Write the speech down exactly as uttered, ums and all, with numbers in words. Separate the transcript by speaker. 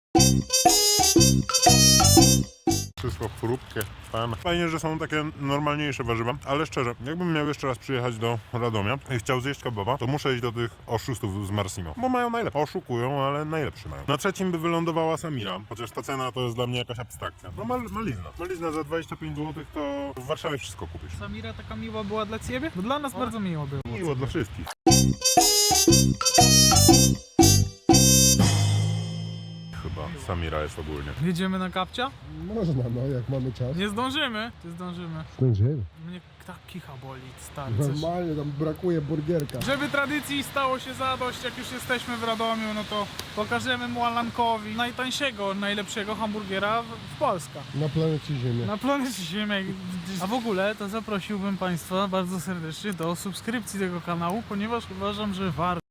Speaker 1: Wszystko chrupkie, fajne. Fajnie, że są takie normalniejsze warzywa, ale szczerze, jakbym miał jeszcze raz przyjechać do Radomia i chciał zjeść kebaba, to muszę iść do tych oszustów z Marsimo, bo mają najlepsze. Oszukują, ale najlepszy mają. Na trzecim by wylądowała Samira, chociaż ta cena to jest dla mnie jakaś abstrakcja. No mal malizna. Malizna za dwadzieścia pięć złotych to w Warszawie wszystko kupisz.
Speaker 2: Samira taka miła była dla ciebie? Bo dla nas o. bardzo miło było.
Speaker 1: Miło dla wszystkich. Chyba Samira jest ogólnie.
Speaker 2: Jedziemy na kapcia?
Speaker 3: Można, no, jak mamy czas.
Speaker 2: Nie zdążymy. Ty zdążymy.
Speaker 3: Zdążymy.
Speaker 2: Mnie tak kicha boli, stary. Coś...
Speaker 3: Normalnie, tam brakuje burgierka.
Speaker 2: Żeby tradycji stało się zadość, jak już jesteśmy w Radomiu, no to pokażemy mu Alankowi najtańszego, najlepszego hamburgera w, w Polsce.
Speaker 3: Na planecie Ziemia.
Speaker 2: Na planecie Ziemia. A w ogóle to zaprosiłbym Państwa bardzo serdecznie do subskrypcji tego kanału, ponieważ uważam, że warto.